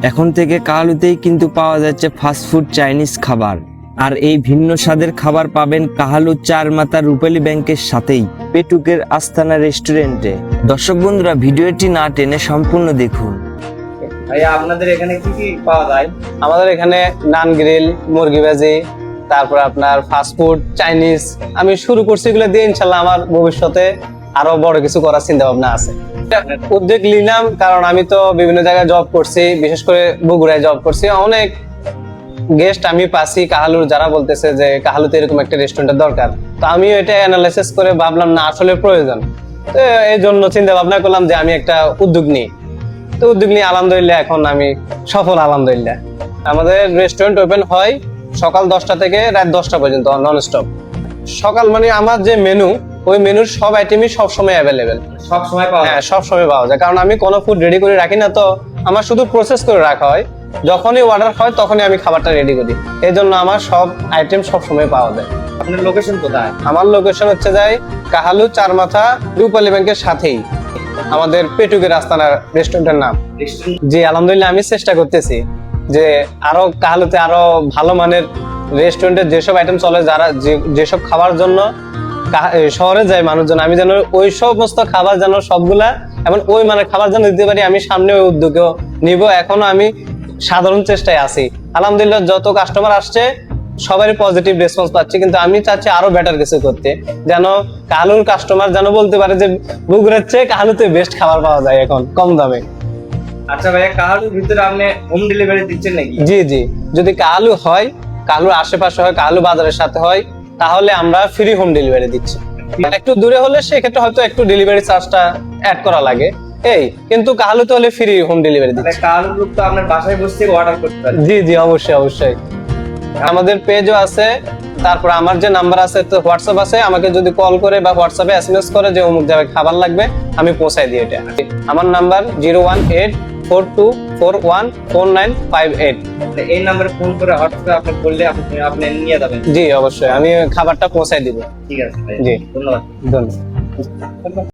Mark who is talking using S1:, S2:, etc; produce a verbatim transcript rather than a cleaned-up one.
S1: এখন থেকে কাহালুতেই কিন্তু পাওয়া যাচ্ছে ফাস্টফুড চাইনিজ খাবার। আর এই ভিন্ন স্বাদের খাবার পাবেন কাহালু চার মাথা রূপালী ব্যাংকের সাথেই পেটুকের আস্তানা রেস্টুরেন্টে। দর্শক বন্ধুরা, ভিডিওটি না টেনে সম্পূর্ণ দেখুন।
S2: ভাইয়া আপনাদের এখানে কি কি পাওয়া যায়?
S3: আমাদের এখানে নান গ্রিল, মুরগি ভাজি, তারপর আপনার ফাস্টফুড চাইনিজ আমি শুরু করছি এগুলো দিয়ে। ইনশাল্লাহ আমার ভবিষ্যতে আরো বড় কিছু করার চিন্তা ভাবনা আছে। উদ্যোগ নিলাম কারণ আমি তো বিভিন্ন জায়গায় জব করছি, বিশেষ করে বগুড়ায় জব করছি। অনেক গেস্ট আমি পাচ্ছি কাহালুর, যারা বলতেছে যে কাহালুতে এরকম একটা রেস্টুরেন্টের দরকার। তো আমিও এটা অ্যানালাইসিস করে ভাবলাম না আসলে প্রয়োজন। তো এই জন্য চিন্তা ভাবনা করলাম যে আমি একটা উদ্যোগ নিই। তো উদ্যোগ নিয়ে আলহামদুলিল্লাহ এখন আমি সফল আলহামদুলিল্লাহ। আমাদের রেস্টুরেন্ট ওপেন হয় সকাল দশটা থেকে রাত দশটা পর্যন্ত নন স্টপ। সকাল মানে আমার যে মেনু, ওই মেনুর সব আইটেমই সবসময় অ্যাভেলেবেল,
S2: সব সময় পাওয়া
S3: হ্যাঁ
S2: যায়?
S3: সব সময় পাওয়া যায়। কারণ আমি কোনো ফুড রেডি করে রাখি না, তো আমার শুধু প্রসেস করে রাখা হয়। যখনই অর্ডার হয় তখনই আমি খাবারটা রেডি করি। এই জন্য আমার সব আইটেম সব সময় পাওয়া যায়।
S2: আপনার লোকেশন কোথায়?
S3: আমার লোকেশন হচ্ছে যায় কাহালু চার মাথা রূপালী ব্যাংকের সাথেই আমাদের পেটুকের আস্তানা রেস্টুরেন্টের নাম। জি আলহামদুলিল্লাহ, আমি চেষ্টা করতেছি যে আরো কাহালুতে আরো ভালো মানের রেস্টুরেন্টের যেসব আইটেম চলে, যারা যেসব খাবার জন্য শহরে যায় মানুষজন, আমি যেন ওই সমস্ত খাবার যেন সবগুলা এবং ওই মানের খাবার যেন দিতে পারি। আমি সামনে ওই উদ্যোগেও নিব। এখনো আমি সাধারণ চেষ্টায় আছি। আলহামদুলিল্লাহ যত কাস্টমার আসছে সবারই পজিটিভ রেসপন্স পাচ্ছি, কিন্তু আমি চাচ্ছি আরো বেটার কিছু করতে, যেন কাহালুর কাস্টমার যেন বলতে পারে যে বগুড়ার চেয়ে কাহালুতে বেস্ট খাবার পাওয়া যায় এখন কম দামে।
S2: আচ্ছা ভাইয়া, কাহালুর ভিতরে আপনি হোম ডেলিভারি দিচ্ছেন নাকি?
S3: জি জি, যদি কাহালু হয়, কাহালুর আশেপাশে হয়, কাহালু বাজারের সাথে হয়, তাহলে আমরা ফ্রি হোম ডেলিভারি দিচ্ছি। একটু দূরে হলে সেক্ষেত্রে হয়তো একটু ডেলিভারি চার্জটা অ্যাড করা লাগে, এই কিন্তু কাহালুতে হলে ফ্রি হোম ডেলিভারি দিচ্ছি।
S2: কাহালুর লোক তো আপনার বাসায় বসে অর্ডার করতে পারে?
S3: জি জি, অবশ্যই অবশ্যই। আমাদের পেজও আছে, তারপর আমার যে নাম্বার আছে তো হোয়াটসঅ্যাপ আছে। আমাকে যদি কল করে বা হোয়াটসঅ্যাপে এসএমএস করে যে অমুক জায়গায় খাবার লাগবে, আমি পৌঁছাই দিই। এটা আমার number zero one eight four two four one four nine five eight.
S2: এই নাম্বারে ফোন করে হোয়াটসঅ্যাপে আপনি বললে আপনি আপনি নিয়ে যাবেন?
S3: জি অবশ্যই, আমি খাবারটা পৌঁছাই দিব।
S2: ঠিক আছে ভাই,
S3: জি
S2: ধন্যবাদ।
S3: ধন্যবাদ।